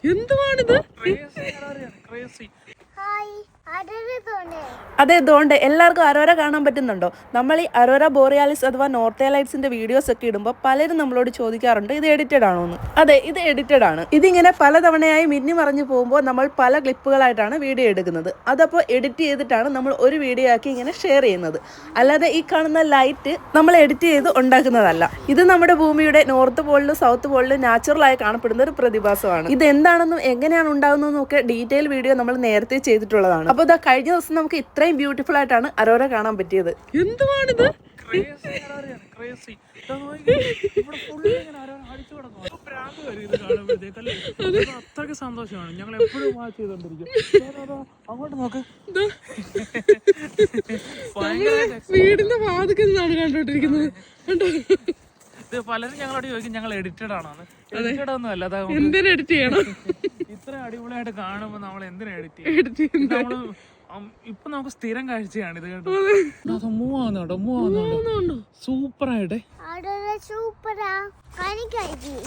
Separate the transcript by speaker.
Speaker 1: എന്തുവാണിത്?
Speaker 2: അതെ, ഇതുകൊണ്ട് എല്ലാവർക്കും അരോര കാണാൻ പറ്റുന്നുണ്ടോ? നമ്മൾ ഈ അരോര ബോറിയാലിസ് അഥവാ നോർത്തേൺ ലൈറ്റ്സിന്റെ വീഡിയോസ് ഒക്കെ ഇടുമ്പോൾ പലരും നമ്മളോട് ചോദിക്കാറുണ്ട് ഇത് എഡിറ്റഡ് ആണോ എന്ന്. അതെ, ഇത് എഡിറ്റഡ് ആണ്. ഇതിങ്ങനെ പലതവണയായി മിന്നി മറിഞ്ഞു പോകുമ്പോൾ നമ്മൾ പല ക്ലിപ്പുകളായിട്ടാണ് വീഡിയോ എടുക്കുന്നത്. അതപ്പോൾ എഡിറ്റ് ചെയ്തിട്ടാണ് നമ്മൾ ഒരു വീഡിയോ ആക്കി ഇങ്ങനെ ഷെയർ ചെയ്യുന്നത്. അല്ലാതെ ഈ കാണുന്ന ലൈറ്റ് നമ്മൾ എഡിറ്റ് ചെയ്ത് ഉണ്ടാക്കുന്നതല്ല. ഇത് നമ്മുടെ ഭൂമിയുടെ നോർത്ത് പോളിലും സൗത്ത് പോളിലും നാച്ചുറലായി കാണപ്പെടുന്ന ഒരു പ്രതിഭാസമാണ്. ഇത് എന്താണെന്നും എങ്ങനെയാണ് ഉണ്ടാകുന്നതെന്നും ഒക്കെ ഡീറ്റെയിൽ വീഡിയോ നമ്മൾ നേരത്തെ ചെയ്തിട്ടുള്ളതാണ്. അപ്പോൾ ഇതാ കഴിഞ്ഞ ദിവസം നമുക്ക് ഇത്രയും ബ്യൂട്ടിഫുൾ ആയിട്ടാണ് അരോര കാണാൻ പറ്റിയത്.
Speaker 1: എന്തുവാണിത്?
Speaker 3: അത്രയ്ക്ക് സന്തോഷമാണ്. ഞങ്ങൾ എപ്പോഴും വാച്ച് ചെയ്തോണ്ടിരിക്കും. അങ്ങോട്ട് നോക്ക്,
Speaker 1: വീടിന്റെ വാതിക്കൽ നിന്നാണ് കണ്ടോണ്ടിരിക്കുന്നത്.
Speaker 3: ഇത് പലരും ഞങ്ങളോട് ചോദിക്കും ഞങ്ങൾ എഡിറ്റഡ് ആണോ? എഡിറ്റഡ് ഒന്നും അല്ല.
Speaker 1: എന്തിനാ എഡിറ്റ് ചെയ്യണം?
Speaker 3: ഇത്ര അടിപൊളിയായിട്ട് കാണുമ്പോ നമ്മൾ എന്തിനാ എഡിറ്റ് ചെയ്യും? നമ്മള് ഇപ്പൊ നമുക്ക് സ്ഥിരം കാഴ്ചയാണ് ഇത്. കേട്ടോ, മൂവാകുന്നുണ്ടോ? സൂപ്പറായിട്ടെ.